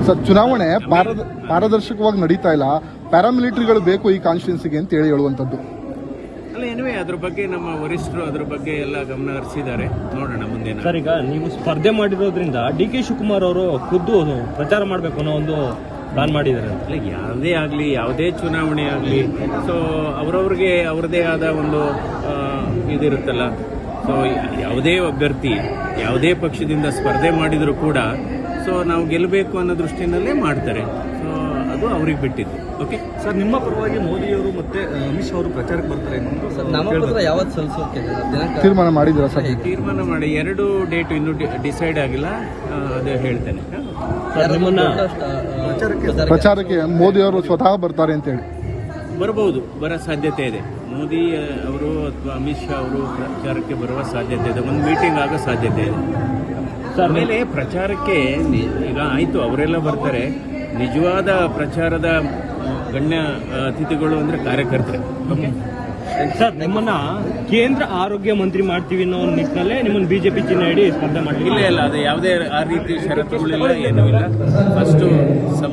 Sir, ಚುನಾವಣೆ ಪಾರದರ್ಶಕವಾಗಿ ನಡೀತಾ ಇಲ್ಲ, ಪ್ಯಾರಾಮಿಲಿಟರಿಗಳು ಬೇಕು ಈ ಕಾನ್ಸ್ಟಿಟ್ಯೂನ್ಸಿಗೆ ಅಂತ ಹೇಳುವಂಥದ್ದು. ಅಲ್ಲ, ಏನುವೆ ಅದ್ರ ಬಗ್ಗೆ ನಮ್ಮ ವರಿಷ್ಠರು ಅದ್ರ ಬಗ್ಗೆ ಎಲ್ಲ ಗಮನ ಹರಿಸಿದ್ದಾರೆ. ನೋಡೋಣ ಮುಂದೆ. ಸರ್, ಈಗ ನೀವು ಸ್ಪರ್ಧೆ ಮಾಡಿರೋದ್ರಿಂದ DK ಶಿವಕುಮಾರ್ ಅವರು ಖುದ್ದು ಪ್ರಚಾರ ಮಾಡಬೇಕು ಅನ್ನೋ ಒಂದು ಪ್ಲಾನ್ ಮಾಡಿದ್ದಾರೆ. ಅಲ್ಲ, ಯಾವುದೇ ಆಗಲಿ, ಯಾವುದೇ ಚುನಾವಣೆ ಆಗಲಿ, ಸೊ ಅವರವ್ರಿಗೆ ಅವ್ರದೇ ಆದ ಒಂದು ಇದಿರುತ್ತಲ್ಲ. ಸೊ ಯಾವುದೇ ಅಭ್ಯರ್ಥಿ ಯಾವುದೇ ಪಕ್ಷದಿಂದ ಸ್ಪರ್ಧೆ ಮಾಡಿದರೂ ಕೂಡ ಸೊ ನಾವು ಗೆಲ್ಲಬೇಕು ಅನ್ನೋ ದೃಷ್ಟಿನಲ್ಲೇ ಮಾಡ್ತಾರೆ. ಸೊ ಅದು ಅವ್ರಿಗೆ ಬಿಟ್ಟಿದ್ದು. ಓಕೆ ಸರ್, ನಿಮ್ಮ ಪರವಾಗಿ ಮೋದಿಯವರು ಮತ್ತೆ ಅಮಿತ್ ಶಾ ಅವರು ಪ್ರಚಾರಕ್ಕೆ ಬರ್ತಾರೆ ನಾಮಪತ್ರ ಯಾವತ್ತು ಸಲ್ಲಿಸೋಕೆ ತೀರ್ಮಾನ ಮಾಡಿದ್ದೀರಾ ಸರ್? ತೀರ್ಮಾನ ಮಾಡಿ 2 ಡೇಟ್ ಇನ್ನೂ ಡಿಸೈಡ್ ಆಗಿಲ್ಲ, ಅದೇ ಹೇಳ್ತೇನೆ. ನಿಮ್ಮನ್ನ ಪ್ರಚಾರಕ್ಕೆ ಮೋದಿ ಅವರು ಸ್ವತಃ ಬರ್ತಾರೆ ಅಂತ ಹೇಳಿ ಬರಬಹುದು, ಬರೋ ಸಾಧ್ಯತೆ ಇದೆ. ಮೋದಿ ಅವರು ಅಥವಾ ಅಮಿತ್ ಶಾ ಅವರು ಪ್ರಚಾರಕ್ಕೆ ಬರುವ ಸಾಧ್ಯತೆ ಇದೆ. ಒಂದು ಮೀಟಿಂಗ್ ಆಗೋ ಸಾಧ್ಯತೆ ಇದೆ. ಆಮೇಲೆ ಪ್ರಚಾರಕ್ಕೆ ಈಗ ಆಯಿತು, ಅವರೆಲ್ಲ ಬರ್ತಾರೆ. ನಿಜವಾದ ಪ್ರಚಾರದ ಗಣ್ಯ ಅತಿಥಿಗಳು ಅಂದರೆ ಕಾರ್ಯಕರ್ತರೆ. ಓಕೆ ಸರ್, ನಿಮ್ಮನ್ನ ಕೇಂದ್ರ ಆರೋಗ್ಯ ಮಂತ್ರಿ ಮಾಡ್ತೀವಿ ಅನ್ನೋ ನಿಟ್ಟಿನಲ್ಲೇ ನಿಮ್ಮನ್ನು BJP ಚಿಹ್ನೆ ಹಿಡಿ ಸ್ಪರ್ಧೆ ಮಾಡಿ. ಇಲ್ಲ, ಅದು ಯಾವುದೇ ಆ ರೀತಿ ಷರತ್ತುಗಳಿಲ್ಲ, ಏನೂ ಇಲ್ಲ. ಫಸ್ಟು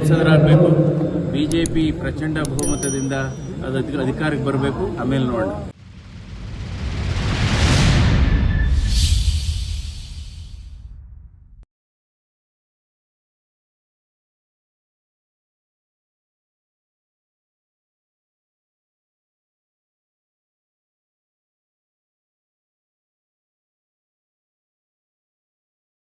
ಸಂಸದರಾಗಬೇಕು, BJP ಪ್ರಚಂಡ ಬಹುಮತದಿಂದ ಅದು ಅಧಿಕಾರಕ್ಕೆ ಬರಬೇಕು, ಆಮೇಲೆ ನೋಡೋಣ.